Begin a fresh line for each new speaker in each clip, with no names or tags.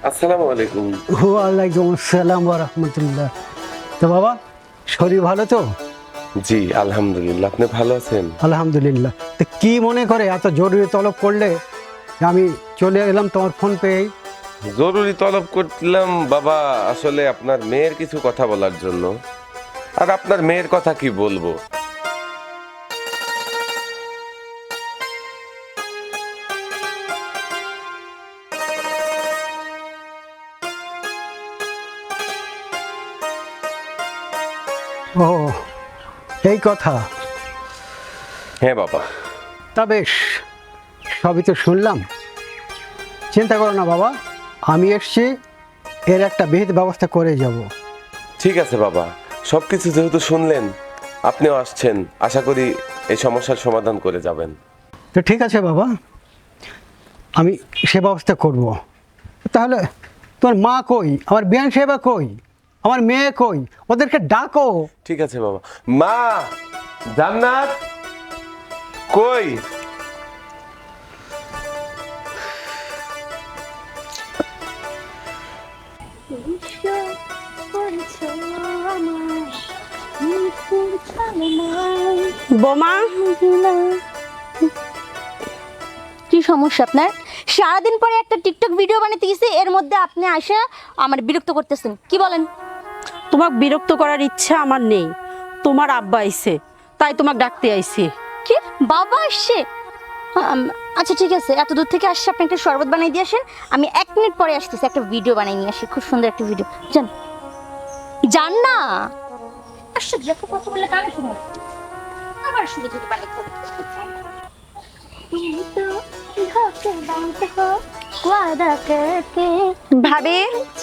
আসসালামু আলাইকুম।
ওয়ালাইকুম আসসালাম ওয়া রাহমাতুল্লাহ। তো বাবা, শরীর ভালো তো?
জি আলহামদুলিল্লাহ, আপনি ভালো আছেন?
আলহামদুলিল্লাহ। তো কি মনে করে এত জরুরি তলব করলে যে আমি চলে এলাম তোমার ফোন পেয়ে?
জরুরি তলব করলাম বাবা, আসলে আপনার মেয়ের কিছু কথা বলার জন্য। আর আপনার মেয়ের কথা কি বলবো।
ও, এই কথা।
হ্যাঁ বাবা।
তা বেশ, সবই তো শুনলাম। চিন্তা করো না বাবা, আমি এসছি, এর একটা বিহিত ব্যবস্থা করে যাব।
ঠিক আছে বাবা, সবকিছু যেহেতু শুনলেন, আপনিও আসছেন, আশা করি এই সমস্যার সমাধান করে যাবেন।
তো ঠিক আছে বাবা, আমি সে ব্যবস্থা করব। তাহলে তোমার মা কই, আমার বিয়ান সাহেবা কই, আমার মেয়ে কই, ওদেরকে ডাকো।
ঠিক আছে বাবা। মা, জান্নাত কই?
বোমা,
কি সমস্যা আপনার? সারাদিন পরে একটা টিকটক ভিডিও বানাতে গেছি, এর মধ্যে আপনি আসে আমার বিরক্ত করতেছেন। কি বলেন?
তোমাকে বিরক্ত করার ইচ্ছা আমার নেই। তোমার আব্বা আইছে, তাই তোমাকে ডাকতে আইছি।
কি, বাবা আসছে? আচ্ছা ঠিক আছে, এত দূর থেকে আসছে, আপনি একটা শরবত বানাই দিয়ে আসেন। আমি 1 মিনিট পরে আসতেছি, একটা ভিডিও বানাই নিয়ে আসি, খুব সুন্দর একটা ভিডিও। যান যান না। আশ্চর্য, এত কথা বললে কানে শুনো। আবার শুরু থেকে বানাই করতে।
ভাবি,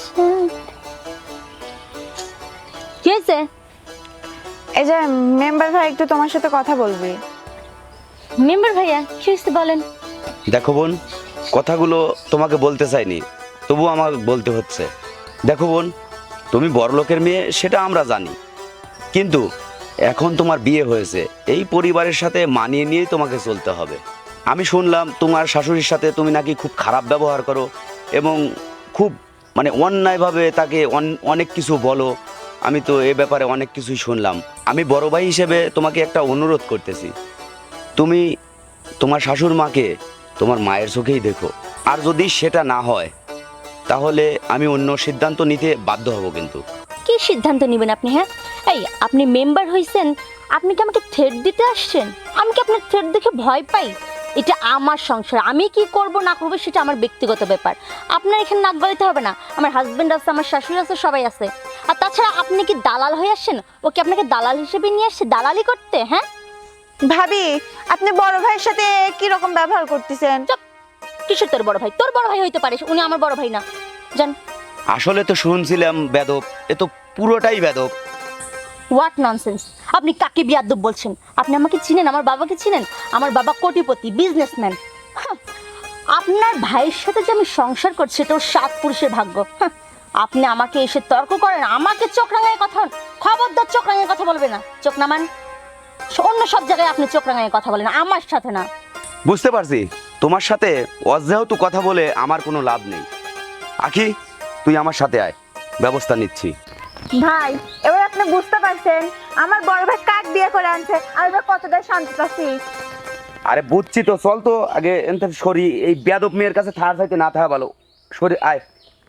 কি হয়েছে?
এই যে মেম্বার ভাই একটু তোমার সাথে কথা বলবি।
মেম্বার ভাইয়া, কি হয়েছে বলেন?
দেখো বোন, কথাগুলো তোমাকে বলতে চাইনি, তবু আমার বলতে হচ্ছে। দেখো বোন, তুমি বড়লোকের মেয়ে সেটা আমরা জানি, কিন্তু এখন তোমার বিয়ে হয়েছে, এই পরিবারের সাথে মানিয়ে নিয়েই তোমাকে চলতে হবে। আমি শুনলাম তোমার শাশুড়ির সাথে তুমি নাকি খুব খারাপ ব্যবহার করো এবং খুব অন্যায়ভাবে তাকে অনেক কিছু বলো। আমি তো এ ব্যাপারে অনেক কিছুই শুনলাম। আমি বড় ভাই হিসেবে তোমাকে একটা অনুরোধ করতেছি, তুমি তোমার শাশুড় মাকে তোমার মায়ের চোখেই দেখো। আর যদি সেটা না হয় তাহলে আমি অন্য সিদ্ধান্ত নিতে বাধ্য হব। কিন্তু
কি সিদ্ধান্ত নেবেন আপনি? হ্যাঁ, এই আপনি মেম্বার হইছেন, আপনি কি আমাকে থ্রেট দিতে আসছেন? আমি কি আপনার থ্রেট দেখে ভয় পাই? এটা আমার সংসার, আমি কি করব না করবো সেটা আমার ব্যক্তিগত ব্যাপার। আপনার এখানে নাক গলাতে হবে না। আমার হাজবেন্ড আছে, আমার শাশুড়ি আছে, সবাই আছে। আর তাছাড়া আপনি কি দালাল হয়ে আসছেন? ও কি আপনাকে দালাল হিসেবে নিয়ে আসছে দালালি করতে? হ্যাঁ
ভাবি, আপনি বড় ভাইয়ের সাথে কি রকম ব্যবহার করতেছেন?
চুপ। কিসের তোর বড় ভাই? তোর বড় ভাই হইতে পারে, উনি আমার বড় ভাই না। জান।
আসলে তো শুনছিলাম বেদব, এ তো পুরোটাই বেদব।
What nonsense! আপনি কাকে বিয়াদ্দব বলছেন? আপনি আমাকে চিনেন? আমার বাবাকে চিনেন? আমার বাবা কোটিপতি, বিজনেসম্যান। আপনার ভাইয়ের সাথে যে আমি সংসার করছি এটা ওর 7 পুরুষের ভাগ্য। আপনি আমাকে এসে তর্ক করেন, আমাকে চোখ রাঙায় কথা। খবরদার চোখ রাঙায় কথা বলবে না। চোখ নামান। অন্য সব জায়গায় আপনি চোখ রাঙায় কথা বলেন, আমার সাথে না।
বুঝতে পারছি, তোমার সাথে অযেহেতু কথা বলে আমার কোনো লাভ নেই। আখি, তুই আমার সাথে আয়, ব্যবস্থা নিচ্ছি।
ভাই, এবার আপনি বুঝতে পারছেন আমার বড় ভাই কাক বিয়ে করে আনছে আর এবার কতটা শান্তি পাচ্ছি।
আরে বুঝছি তো, চল তো আগে এনতে সরি, এই বেদব মেয়ের কাছে থাকার চাইতে না থাকা ভালো। সরি আয়।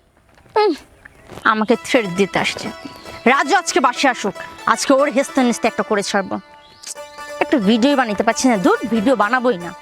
আমাকে থ্রেট দিতে আসছে। রাজু আজকে বাসে আসুক, আজকে ওর হেস্তে নেস্তে একটা করে ছাড়বো। একটা ভিডিও বানাতে পারছি না, দূর ভিডিও বানাবোই না।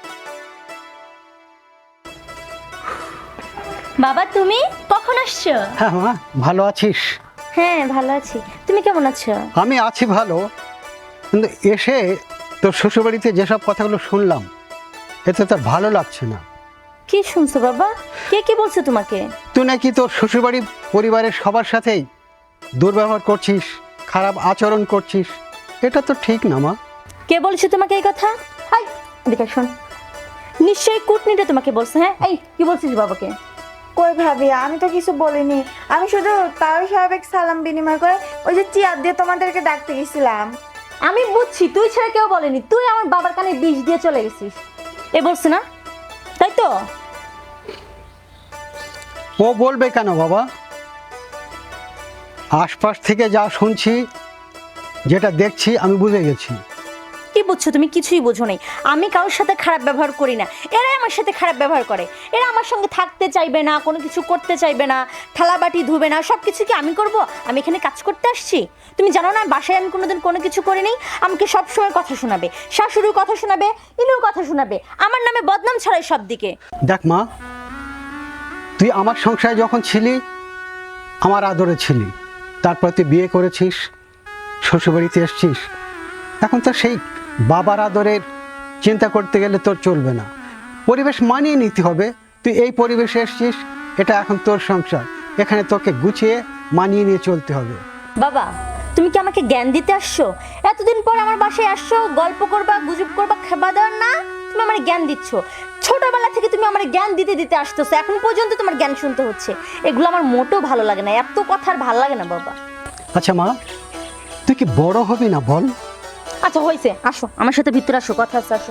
বাবা, তুমি কখন আসছো?
হ্যাঁ মা, ভালো আছিস?
হ্যাঁ ভালো আছি, তুমি কেমন আছো?
আমি আছি ভালো, কিন্তু এসে তোর শ্বশুরবাড়িতে যেসব কথাগুলো শুনলাম, এতে তোর ভালো লাগছে না।
কি শুনছো বাবা? কে কি বলছে তোমাকে?
তুই নাকি তোর শ্বশুরবাড়ি পরিবারের সবার সাথেই দুর্ব্যবহার করছিস, খারাপ আচরণ করছিস। এটা তো ঠিক না মা।
কে বলছে তোমাকে এই কথা? এই এদিকে শোন, নিশ্চয়ই কুটনিটা তোমাকে বলছে। হ্যাঁ, এই কি বলছিস বাবাকে?
কই ভাবি, আমি তো কিছু বলিনি। আমি শুধু তাও সাহেবের সালাম বিনিময় করে ওই যে চেয়ার দিয়ে তোমাদেরকে ডাকতে গেছিলাম।
আমি বুঝছি, তুই ছাড়া কেউ বলেনি। তুই আমার বাবার কানে বিষ দিয়ে চলে গেছিস, এ বলছে না? তাই তো?
ও বলবে কেন বাবা? আশপাশ থেকে যা শুনছি, যেটা দেখছি, আমি বুঝে গেছি।
কি বুঝছো তুমি? কিছুই বুঝো নাই। আমি কারোর সাথে খারাপ ব্যবহার করি না, এরাই আমার সাথে খারাপ ব্যবহার করে। এরা আমার সঙ্গে থাকতে চাইবে না, কোনো কিছু করতে চাইবে না, থালা বাটি ধুবে না, সব কিছু কি আমি করব? আমি এখানে কাজ করতে আসছি? তুমি জানো না বাসায় আমি কোনোদিন কোনো কিছু করিনি? আমাকে সবসময় কথা শোনাবে, শাশুড়ির কথা শোনাবে, ইনুর কথা শোনাবে, আমার নামে বদনাম ছড়ায় সব দিকে।
দেখ মা, তুই আমার সংসারে যখন ছিলি আমার আদরে ছিলি, তারপর তুই বিয়ে করেছিস, শ্বশুরবাড়িতে এসছিস, এখন তো সেই বাবার আদরের চিন্তা করতে গেলে তোর চলবে না। পরিবেশ মানিয়ে নিতে হবে। তুই এই পরিবেশে এসছিস, এটা এখন তোর সংসার, এখানে তোকে গুছিয়ে মানিয়ে নিয়ে চলতে হবে।
বাবা, তুমি কি আমাকে জ্ঞান দিতে আসছো? এতদিন পর আমার বাসায় আসছো, গল্প করবা, গুজব করবা, খাবার দেওয়ার না? তুমি আমার জ্ঞান দিচ্ছ। ছোটবেলা থেকে তুমি আমার জ্ঞান দিতে দিতে আসতেছো, এখন পর্যন্ত তোমার জ্ঞান শুনতে হচ্ছে। এগুলো আমার মোটেও ভালো লাগে না, এত কথা আর ভালো লাগে না বাবা।
আচ্ছা মা, তুই কি বড় হবি না বল?
আচ্ছা হয়েছে, আসো আমার সাথে ভিতরে আসো, কথা আছে, আসো।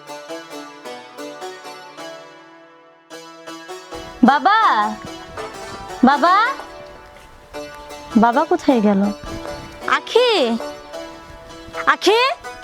বাবা, বাবা, বাবা কোথায় গেল? আখি, আখি,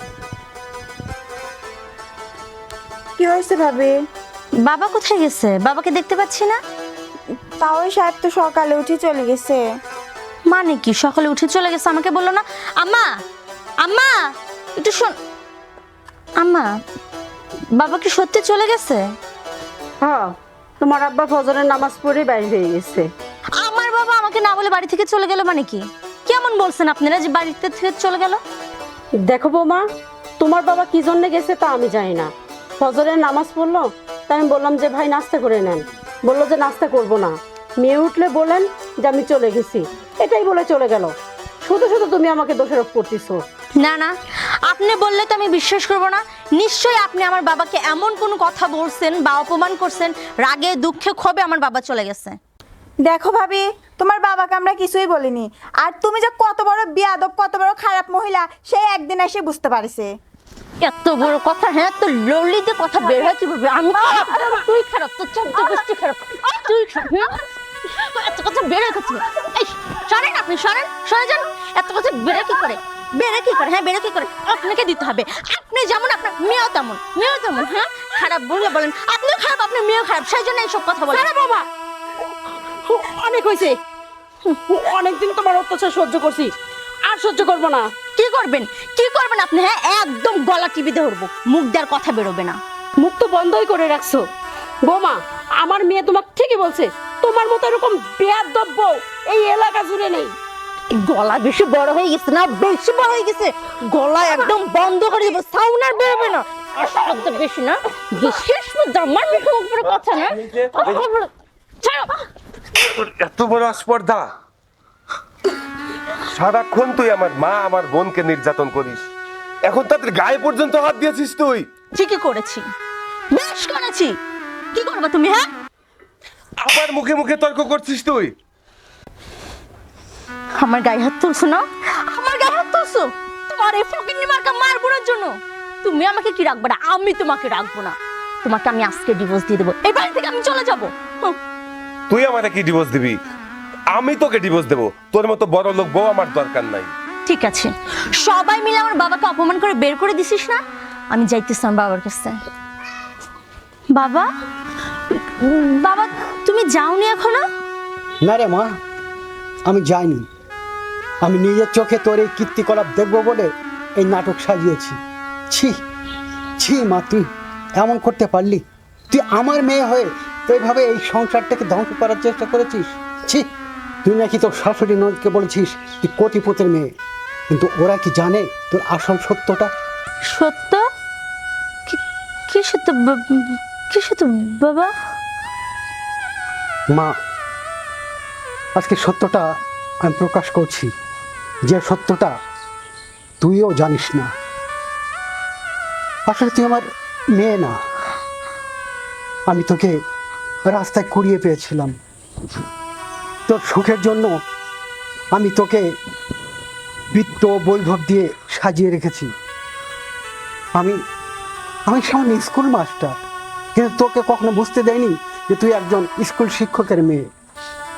কি হয়েছে ভাবি?
বাবা কোথায় গেছে? বাবাকে দেখতে পাচ্ছি না।
তাও সাহেব তো সকালে উঠে চলে গেছে।
মানে কি সকালে উঠে চলে গেছে? আমাকে বললো না? আম্মা, আম্মা, একটু শোন। আম্মা, বাবা কি সত্যি চলে গেছে?
হ্যাঁ, তোমার আব্বা ফজরের নামাজ পড়ে বাইরে হয়ে গেছে।
আমার বাবা আমাকে না বলে বাড়ি থেকে চলে গেল মানে কি? কেমন বলছেন আপনারা যে বাড়িতে থেকে চলে গেল?
দেখো বৌমা, তোমার বাবা কি জন্য গেছে তা আমি জানি না। ফজরের নামাজ পড়লো, তাই আমি বললাম যে ভাই নাস্তা করে নেন। বললো যে নাস্তা করব না, মেয়ে উঠলে বলেন যে আমি চলে গেছি, এটাই বলে চলে গেল। শুধু শুধু তুমি আমাকে দোষারোপ করতেছো।
না না, আপনি বললে তো আমি বিশ্বাস করব না। নিশ্চয়ই আপনি আমার বাবাকে এমন কোনো কথা বলছেন বা অপমান করছেন, রাগে দুঃখে ক্ষোভে আমার বাবা চলে গেছে।
দেখো ভাবি, তোমার বাবাকে আমরা কিছুই বলিনি। আর তুমি যে কত বড় বেয়াদব, কত বড় খারাপ মহিলা, সেই একদিন এসে বুঝতে পারছে।
এত বড় কথা, হ্যাঁ, তো ললিতে কথা বের হয় কিভাবে? আমি খারাপ, তুই খারাপ, তোর চোদ্দ গোষ্ঠী খারাপ, তুই খারাপ, হ্যাঁ? এত কথা বের হয় কোথায়? এই সরেন, আপনি সরেন, সরে যান। এত কথা বেড়ে কি করে? বেড়ে কি করে? হ্যাঁ, বেড়ে কি করে? আপনাকে দিতে হবে। আপনি যেমন আপনার মেয়েও তেমন, মেয়েও তেমন। হ্যাঁ, খারাপ বলে বলেন, আপনিও খারাপ, আপনার মেয়েও খারাপ, সেই জন্য এইসব কথা বলেন।
আরে বাবা, অনেক হয়েছে, অনেকদিন তোমার অত্যাচার সহ্য করছি, আর সহ্য করবো না।
কি করবেন? কি করবেন আপনি? হ্যাঁ, একদম গলা টিপে ধরবো, মুখ দেওয়ার কথা বেরোবে না।
মুখ তো বন্ধই করে রাখছো। বৌমা, আমার মেয়ে তোমাকে ঠিকই বলছে, তোমার মতো এরকম বেয়াদব বউ এই এলাকা জুড়ে নেই।
গলা বেশি বড় হয়ে গেছে না? বেশি বড় হয়ে গেছে, গলা একদম বন্ধ করে দেবো, সাউন্ড আর বেরোবে না। আর শব্দ বেশি না, বিশেষ আমার মুখে উপরে কথা না। ছাড়ো।
এত বড় আস্পর্ধা! সারাক্ষণ তুই আমার মা, আমার বোনকে নির্যাতন করিস, এখন তাদের গায়ে পর্যন্ত হাত দিয়েছিস তুই।
ঠিকই করেছি, বেশ করেছি। কি করবে তুমি? হ্যাঁ,
আবার মুখে মুখে তর্ক করছিস তুই।
আমার গায়ে হাত তুলছো না? আমার গায়ে হাত তুলছো তোমার এই ফকিন্নি মার্কা মারবোনের জন্য। তুমি আমাকে কি রাখবে না? আমি তোমাকে রাখবো না। তোমাকে আমি আজকে ডিভোর্স দিয়ে দেবো, এই বাড়ি থেকে আমি চলে যাবো।
তুই আমারে কি ডিভোর্স দিবি? আমি তোকে ডিভোর্স দেবো। তোর মতো বড় লোক বউ আমার দরকার নাই।
ঠিক আছে, সবাই মিলে আমার বাবাকে অপমান করে বের করে দিছিস না? আমি যাইতেছি আমার বাবার কাছে। বাবা, বাবা, তুমি যাওনি এখনো?
না রে মা, আমি যাইনি। আমি নিজের চোখে তোর এই কীর্তিকলাপ দেখবো বলে এই নাটক সাজিয়েছি। ছি ছি মা, তুই এমন করতে পারলি? তুই আমার মেয়ে হয়ে এইভাবে এই সংসারটাকে ধ্বংস করার চেষ্টা করেছিস। ছি, তুই নাকি তোর শাশুড়ি নদকে বলেছিস তুই কোটিপতির মেয়ে, কিন্তু ওরা কি জানে তোর আসল সত্যটা?
সত্য? কি সত্য? কি সত্য বাবা?
মা, আজকে সত্যটা আমি প্রকাশ করছি, যে সত্যটা তুইও জানিস না। আসলে তুই আমার মেয়ে না, আমি তোকে রাস্তায় কুড়িয়ে পেয়েছিলাম। তোর সুখের জন্য আমি তোকে বিত্ত বৈভব দিয়ে সাজিয়ে রেখেছি। আমি সামান্য স্কুল মাস্টার, কিন্তু তোকে কখনো বুঝতে দেয়নি যে তুই একজন স্কুল শিক্ষকের মেয়ে।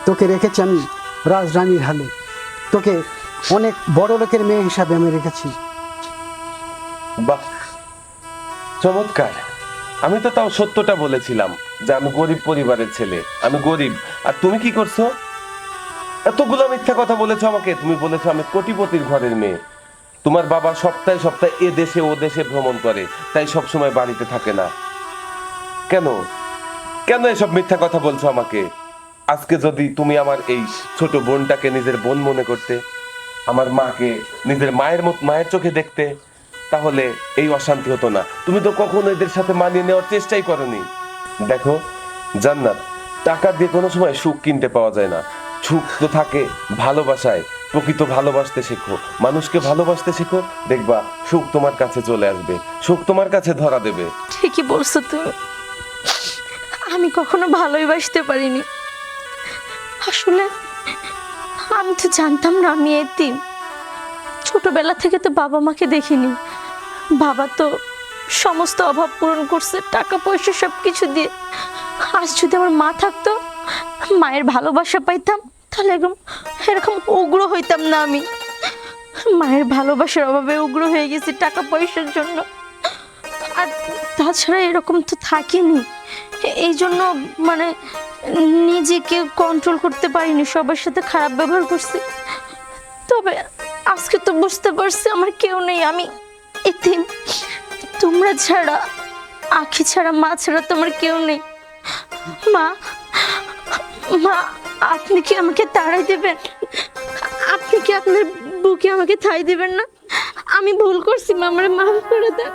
তোকে রেখেছি আমি রাজরানীর হালে, তোকে অনেক বড় লোকের মেয়ে হিসাবে আমি রেখেছি।
বাহ, চমৎকার। আমি তো তাও সত্যটা বলেছিলাম যে আমি গরিব পরিবারের ছেলে, আমি গরিব। আর তুমি কি করছো? এতগুলো মিথ্যা কথা বলেছো আমাকে। তুমি বলেছো আমি কোটিপতির ঘরের মেয়ে। তোমার বাবা সপ্তাহে সপ্তাহে এ দেশে ও দেশে ভ্রমণ করে, তাই সব সময় বাড়িতে থাকে না। কেন কেন এসব মিথ্যা কথা বলছো আমাকে? আজকে যদি তুমি আমার এই ছোট বোনটাকে নিজের বোন মনে করতে, আমার মাকে নিজের মায়ের চোখে দেখতে, তাহলে এই অশান্তি হতো না। তুমি তো কখনো এদের সাথে মানিয়ে নেওয়ার চেষ্টাই করনি। দেখো জান্নাত, টাকা দিয়ে কোনো সময় সুখ কিনতে পাওয়া যায় না। সুখ তো থাকে ভালোবাসায়। প্রকৃত ভালোবাসতে শেখো, মানুষকে ভালোবাসতে শেখো, দেখবা সুখ তোমার কাছে চলে আসবে, সুখ তোমার কাছে ধরা দেবে।
ঠিকই বলছো তুমি, আমি কখনো ভালোই বাসতে পারিনি। আসলে আমি তো জানতাম না আমি এতিম। ছোটবেলা থেকে তো বাবা মাকে দেখিনি। বাবা তো সমস্ত অভাব পূরণ করছে টাকা পয়সা সব কিছু দিয়ে। আজ যদি আমার মা থাকতো, মায়ের ভালোবাসা পাইতাম, তাহলে এরকম উগ্র হইতাম না আমি। মায়ের ভালোবাসার অভাবে উগ্র হয়ে গেছি টাকা পয়সার জন্য। আর তাছাড়া এরকম তো থাকিনি, এই জন্য মানে নিজেকে কন্ট্রোল করতে পারিনি, সবার সাথে খারাপ ব্যবহার করছি। তবে আজকে তো বুঝতে পারছি আমার কেউ নেই, আমি এতিম। তোমরা ছাড়া, আখি ছাড়া, মা ছাড়া তোমার কেউ নেই। মা, মা, আপনি কি আমাকে তাড়াই দেবেন? আপনি কি আপনার বুকে আমাকে ঠাঁই দিবেন না? আমি ভুল করছি মা, আমার মাফ করে দেন।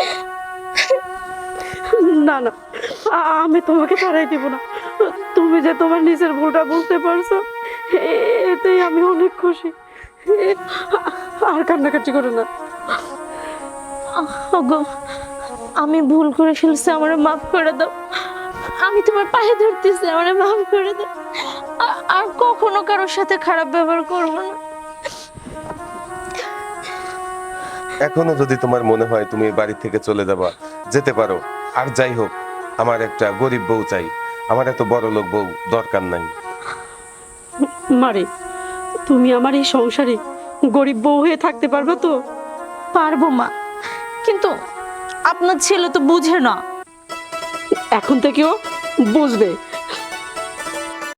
না না, আমি তোমাকে ছাড়াই দিব না। তুমি যে তোমার নিজের ভুলটা বুঝতে পারছো, এতেই আমি অনেক খুশি। আর কান্নাকাটি করো না।
ওগো, আমি ভুল করে ফেলছি, আমারে মাফ করে দাও। আমি তোমার পায়ে ধরতেছি, আমারে মাফ করে দাও। আর কখনো কারোর সাথে খারাপ ব্যবহার করবো না।
এখনো যদি তোমার মনে হয় তুমি এই বাড়ি থেকে চলে যাবা, যেতে পারো। আর যাই হোক, আমার একটা গরিব বউ চাই, আমার এত বড় লোক বউ দরকার নাই।
মারে, তুমি আমার এই সংসারে গরিব বউ হয়ে থাকতে পারবে তো?
পারবো মা, কিন্তু আপনার ছেলে তো বুঝে না।
এখন থেকেও বুঝবে।